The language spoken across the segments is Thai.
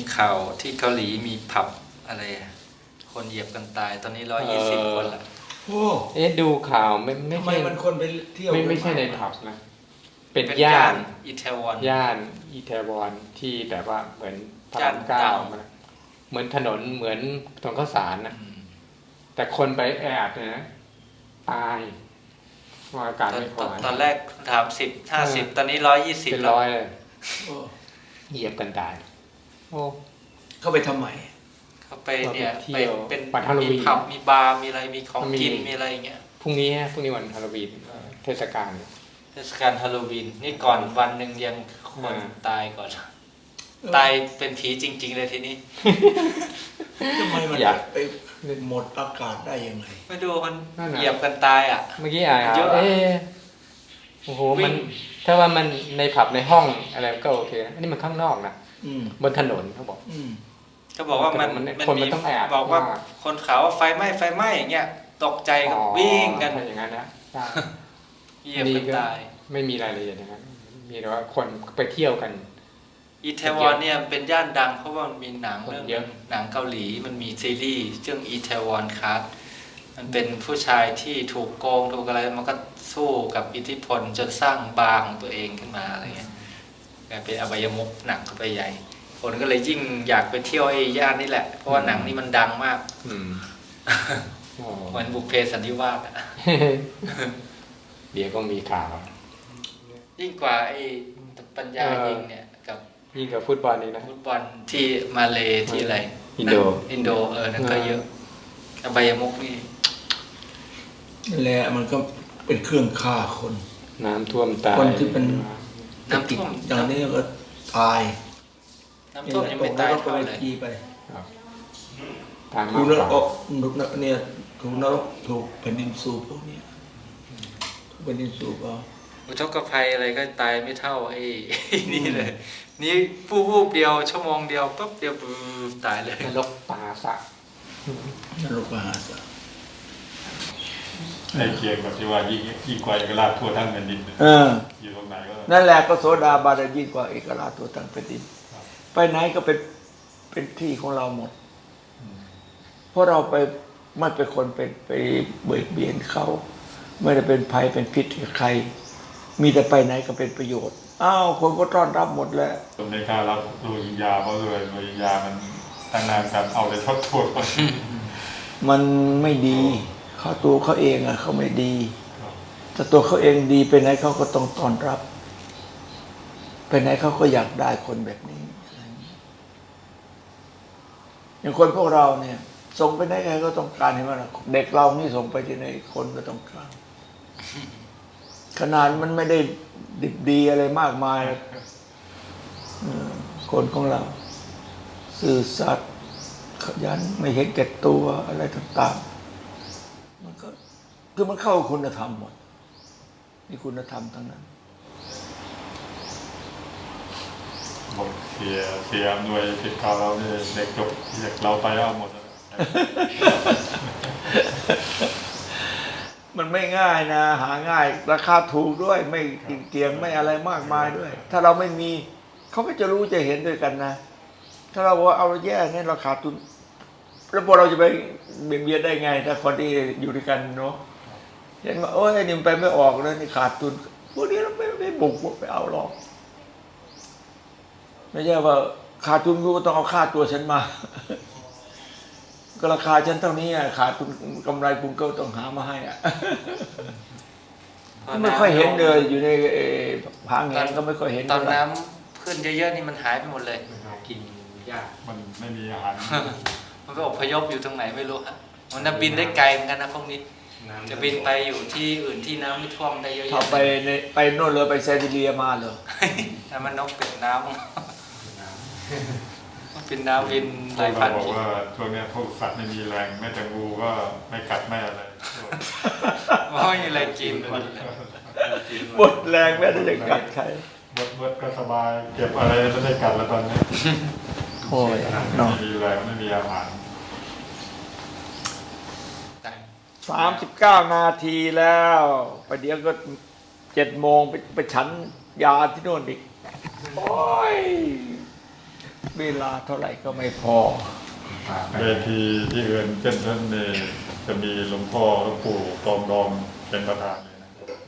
ข่าวที่เกาหลีมีผับอะไรคนเหยียบกันตายตอนนี้120 คนละโอ้ดูข่าวไม่ทำไมใช่มันคนไปเที่ยวไม่ใช่ในผับนะเป็นย่าย่านอิตาลีย่านอิตาลีที่แบบว่าเหมือนพระรามเก้าเหมือนถนนเหมือนถนนข้าวสารนะแต่คนไปแออัดนะตายว่าอากาศไม่พอตอนแรกถาม50ตอนนี้120 เป็น100เลยเหยียบกันตายโอ้เข้าไปทำไมเขาไปเนี่ยไปเป็นมีผับมีบาร์มีอะไรมีของกินมีอะไรอย่างเงี้ยพรุ่งนี้วันฮาโลวีนเทศกาลฮาโลวีนนี่ก่อนวันหนึ่งยังคนตายก่อนตายเป็นผีจริงๆเลยทีนี้ทำไมมันไปหมดอากาศได้ยังไงไม่ดูมันเหยียบกันตายอ่ะเมื่อกี้เยอะโอ้โหมันถ้าว่ามันในผับในห้องอะไรก็โอเคอันนี้มันข้างนอกนะบนถนนเขาบอกก็บอกว่ามันมีบอกว่าคนเขาไฟไหม้อย่างเงี้ยตกใจก็วิ่งกันอย่างนั้นนะเหยียบกันตายไม่มีรายละเอียดอย่างนั้นมีแต่ว่าคนไปเที่ยวกันอิตาลีเนี่ยเป็นย่านดังเพราะว่ามันมีหนังเรื่องหนังเกาหลีมันมีซีรีส์เรื่องอิตาลีครับมันเป็นผู้ชายที่ถูกโกงถูกอะไรมันก็สู้กับอิทธิพลจนสร้างบาร์ของตัวเองขึ้นมาอะไรเงี้ยกลายเป็นอบายมุขหนักเข้าไปใหญ่คนก็เลยยิ่งอยากไปเที่ยวไอ้ย่านนี่แหละเพราะว่าหนังนี้มันดังมากเหมือนบุพเพสันนิวาสอ่ะเดี๋ยวก็มีข่าวยิ่งกว่าไอ้ปัญญายิงเนี่ยกับยิ่งกับฟุตบอลนี่นะฟุตบอลที่มาเลที่อะไรอินโดนั่นก็เยอะอบายมุขนี่นั่นแหละมันก็เป็นเครื่องฆ่าคนน้ำท่วมตายคนที่เป็นน้ำท่วมอย่างนี้ก็ตายน้ำท่วมยังไม่ตายเท่าไหร่ไปทางถูกนรกเนี่ยถูกนรกถูกแผ่นดินสูบพวกนี้ถูกแผ่นดินสูบอุทกภัยอะไรก็ตายไม่เท่าไอ้นี่เลยนี่วูบเดียวชั่วโมงเดียวปั๊บเดียวตายเลยนรกปาสะนรกปาสะไอ้เคียงแบบที่ว่ายิ่งกว่าเอกราชทั่วทั้งแผ่นดินอยู่ตรงไหนก็นั่นแหละก็โสดาบันยิ่งกว่าเอกราชทั่วทั้งแผ่นดินไปไหนก็เป็นที่ของเราหมดเพราะเราไปไม่เป็นคนไปเบียดเบียนเขาไม่ได้เป็นภัยเป็นพิษกับใครมีแต่ไปไหนก็เป็นประโยชน์คนก็ต้อนรับหมดแล้วอเมริการับโรฮิงญาเพราะโรฮิงญามันตั้งนานกันเอาแต่ทอดโทษมันไม่ดีเขาตัวเขาเองเขาไม่ดีแต่ตัวเขาเองดีไปไหนเขาก็ต้องต้อนรับไปไหนเขาก็อยากได้คนแบบนี้อย่างคนพวกเราเนี่ยส่งไปไหนใครก็ต้องการเห็นไหมล่ะเด็กเรานี่ส่งไปที่ไหนคนก็ต้องการขนาดมันไม่ได้ดิบดีอะไรมากมายคนของเราซื่อสัตย์ขยันไม่เห็นแก่ตัวอะไรต่างๆมันก็คือมันเข้าคุณธรรมหมดนี่คุณธรรมทั้งนั้นบอกเสียหน่วยติดข่าวเราเนี่ยเด็กจบเด็กเราไปเอาหมดมันไม่ง่ายนะหาง่ายราคาถูกด้วยไม่เกี่ยงไม่อะไรมากมายด้วยถ้าเราไม่มีเขาก็จะรู้จะเห็นด้วยกันนะถ้าเราว่าเอาแย่เนี่ยเราขาดทุนแล้วพวกเราจะไปเบียดเบียนได้ไงถ้าคนที่อยู่ด้วยกันเนาะเห็นว่าโอ้ยนี่มันไปไม่ออกแล้วนี่ขาดทุนพวกนี้เราไม่บุกไปเอาหรอกไม่ใช่ว่าขาดทุนกูก็ต้องเอาค่าตัวฉันมาก็ราคาฉันเท่านี้ขาดทุนกำไรคุณก็ต้องหามาให้ไม่ค่อยเห็นเลยอยู่ในผางแหงก็ไม่ค่อยเห็นตอนน้ำขึ้นเยอะๆนี่มันหายไปหมดเลยกินยากมันไม่มีอาหารมันไปอพยพอยู่ตรงไหนไม่รู้ฮะมันบินได้ไกลเหมือนกันนะพวกนี้จะบินไปอยู่ที่อื่นที่น้ำไม่ท่วมได้เยอะๆไปโน่นเลยไปไซบีเรียมาเลยแต่มันนกเป็ดน้ำเป็นน้ำบินหลายพันบอกว่าช่วงนี้พวกสัตว์ไม่มีแรงแม้แต่งูก็ไม่กัดไม่อะไรไม่มีอะไรกินหมดแรงแม้แต่จะกัดใครหมดก็สบายเก็บอะไรไม่ได้กัดแล้วตอนนี้โอ้ยไม่มีแรงไม่มีอาหาร 39 นาทีแล้วไปเดี๋ยวก็7 โมงไปฉันยาที่โน่นอีกโอ้ยไปเวลาเท่าไหร่ก็ไม่พอเวทีที่อื่นเช่นท่านเนี่ยจะมีหลวงพ่อหลวงปู่ตองดองเป็นประธานเลยนะ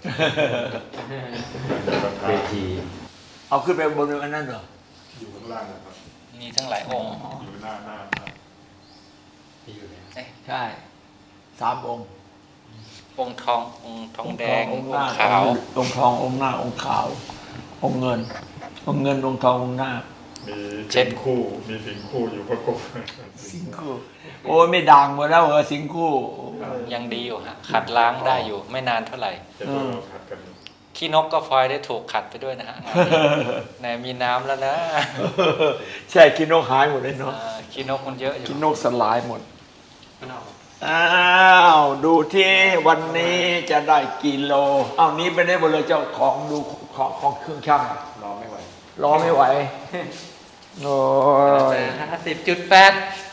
เป็นประธานเวทีเอาขึ้นไปบนอันนั้นเหรออยู่ข้างล่างนะครับมีทั้งหลายองค์อยู่หน้าที่อยู่แล้วเอ๊ะใช่3 องค์องค์ทององค์ทองแดงออง งค์ค์หน้าขาวองค์ทององค์หน้าองค์ขาว องค์เงิน องค์เงินองค์ทององค์หน้ามีสิงคู่อยู่ประกบสิงคู่โอ้ยไม่ดังหมดแล้วเหรอสิงคู่ยังดีอยู่ฮะขัดล้างได้อยู่ไม่นานเท่าไหร่จะต้องเราขัดกันขี้นกก็พลอยได้ถูกขัดไปด้วยนะฮะงานนี้ไหนมีน้ำแล้วนะใช่กินนกหายหมดเลยเนาะขี้นกมันเยอะอยู่กินนกสลายหมดข้างนอกอ้าวดูที่วันนี้จะได้กี่โลอ้าวนี้ไปได้หมดเลยเจ้าของดูของเครื่องช่างรอไม่ไหวรอไม่ไหวโอ้ย 50.8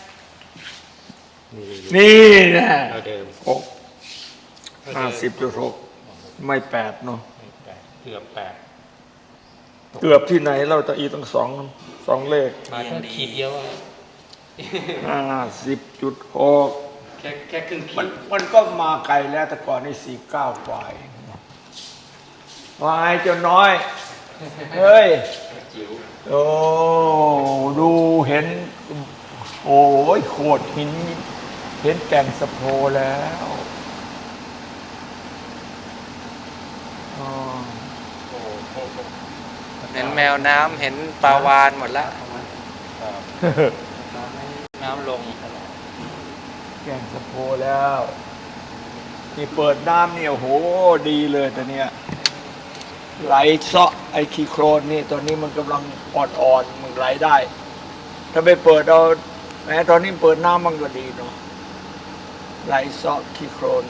นี่นี่นะเราเดิม 50.6ไม่8เนาะเกือบ8 เกือบที่ไหนเราจะอีต้องสองเลขมาแค่ขีดเดียวอะ 50.6 แค่ครึ่งขีดมันก็มาไกลแล้วแต่ก่อนนี่49 กว่าเองวายเจ้าน้อย เฮ้ยจิ๋วโอ้ดูเห็น โอ้ยโขดหิน เห็นแก่งสะโพแล้วอ๋อเห็นแมวน้ำเห็นปลาวานหมดแล้วน้ำลงแก่งสะโพแล้วนี่เปิดน้ำเนี่ยโอ้โหดีเลยแต่เนี้ยไหลเซาะไอ้ขี้โครนนี่ตอนนี้มันกำลังอ่อนๆมันไหลได้ ถ้าไปเปิดเอาแม้ตอนนี้เปิดน้ำมันก็ดีเนาะไหลเซาะขี้โครน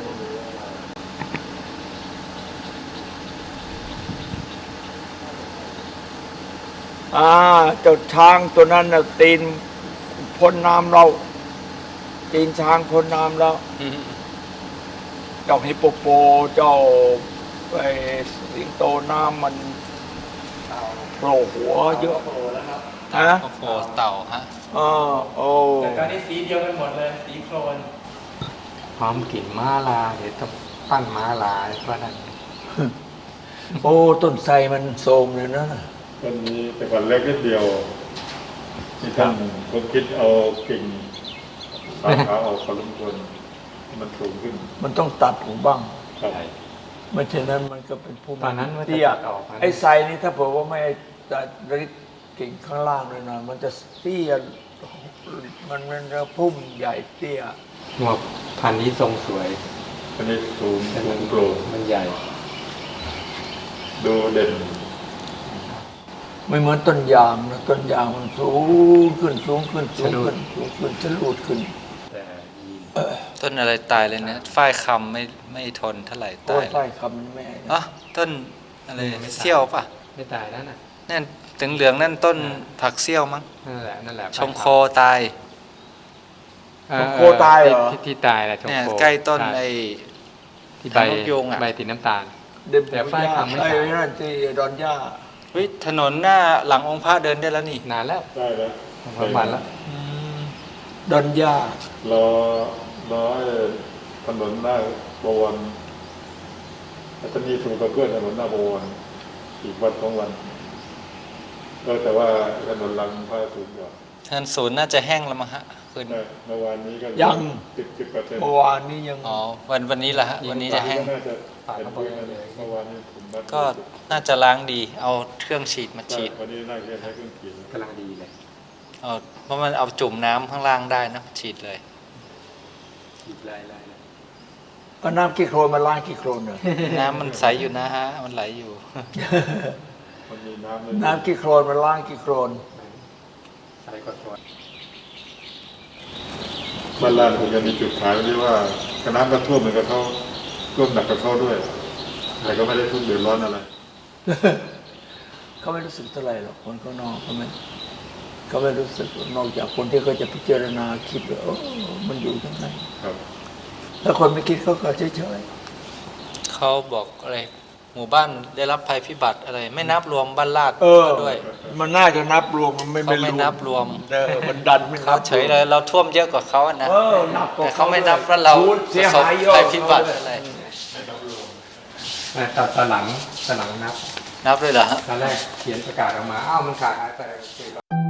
เจ้าช้างตัวนั้นน่ะตีนพ้นน้ำเราตีนช้างพ้นน้ำแล้วเจ้าฮิปโปโปเจ้าไอ้สิงโตน้ำมันโผล่หัวเยอะฮะโอ้โหเต่าฮะโอ้แต่ตอนนี้สีเดียวกันหมดเลย สีโครนพร้อมกลิ่นม้าลาเดี๋ยวต้องปั้นม้าลาเพราะนั้นโอ้ต้นไทรมันโทรมเลยนะต้นนี้แต่ก่อนเล็กนิดเดียวที่ท่านผมคิดเอากิ่งสาขาออกพอสมควรให้มันสูงขึ้นมันต้องตัดหูบ้างครับไม่เช่นนั้นมันก็เป็นผู้ตอนนั้นว่าจะเตี้ยตัดออกนะไอ้ไทรนี่ถ้าเผื่อว่าไม่ตัดกิ่งข้างล่างเลยนะมันจะเตี้ยมันจะพุ่มใหญ่เตี้ยหัวพันธุ์นี้ทรงสวยอันนี้สูงแต่สูมันงโปร่งมันใหญ่ดูเด่นไม่เหมือนต้นยางนะต้นยางมันสูงขึ้นสูงขึ้นสูงขึ้นสูงขึ้นจะลูดขึ้นแต่ยีนต้นอะไรตายเลยเนี่ยฝ้ายคำไม่ทนเท่าไหร่โอ้ตาย ยใช่คำนี้ไม่อ๋อต้นอะไรเซี่ยวป่ะไม่ตายแล้วน่ะนั่นถึงเหลืองนั่นต้นผักเซี่ยวมั้งนั่นแหละชงโคตายโคตายเหรอที่ตายแหละชงเนี่ยโคใกล้ต้นใช่ไอ้ที่ใบนกยูงอะใบสีน้ำตาลเด็บแต่ฝ้ายคำไม่ไอ้ใช่นั่นที่ดอนย่าเฮ้ยถนนหน้าหลังองค์พระเดินได้แล้วนี่นานแล้วได้แล้วประมาณแล้วดอนย่ารอไอ้ถนนหน้าบวรแล้วจะมีถูกกระเพื่อนถนนหน้าบวรอีกวัน2 วันแต่ว่าถนนหลังพระสูงกว่าถนนศูนย์น่าจะแห้งแล้วมั้งฮะคืนใช่เมื่อวานนี้ก็ยัง 10% เมื่อวานนี้ยังอ๋อวันนี้ละฮะวันนี้จะแห้งน่าจะเห็นพื้นแล้วเมื่อวานนี้ผมนัดก็น่าจะล้างดี เอาเครื่องฉีดมาฉีดวันนี้น่าจะใช้เครื่องขีดกำลังดีเลยเอาเพราะมันเอาจุ่มน้ำข้างล่างได้นะฉีดเลยขีดลายก็น้ำขี้โครนมาล้างขี้โครนเลยน้ำมันใสอยู่นะฮะ มันไหลอยู่มันมีน้ำเลยน้ำขี้โครนมาล้างขี้โครนใส่ก็ตัวบ้านลานคงจะมีจุดขายที่ว่าน้ำก็ท่วมเหมือนกับเขาท่วมหนักกับเขาด้วย แต่ก็ไม่ได้ทุกข์เดือดร้อนอะไรเขาไม่รู้สึกเท่าไหร่หรอกคนข้างนอกเขาไม่รู้สึกนอกจากคนที่เขาจะพิจารณาคิดว่าโอ้มันอยู่ยังไงครับถ้าคนไม่คิดเขาก็เฉยเขาบอกอะไรหมู่บ้านได้รับภัยพิบัติอะไร ไม่นับรวมบ้านลาดด้วยมันน่าจะนับรวมมันไม่เขาไม่นับรวมมันดันไม่นัเขาบเฉยเลยเราท่วมเยอะกว่าเขาอะนะนับกว่แต่เขาไม่นับว่าเราเสียประสบหายเยอะภัยพิบัติอะไรตอนหลังนับนับด้วยเหรอฮะตอนแรกเขียนประกาศออกมาอ้าวมันขาดไป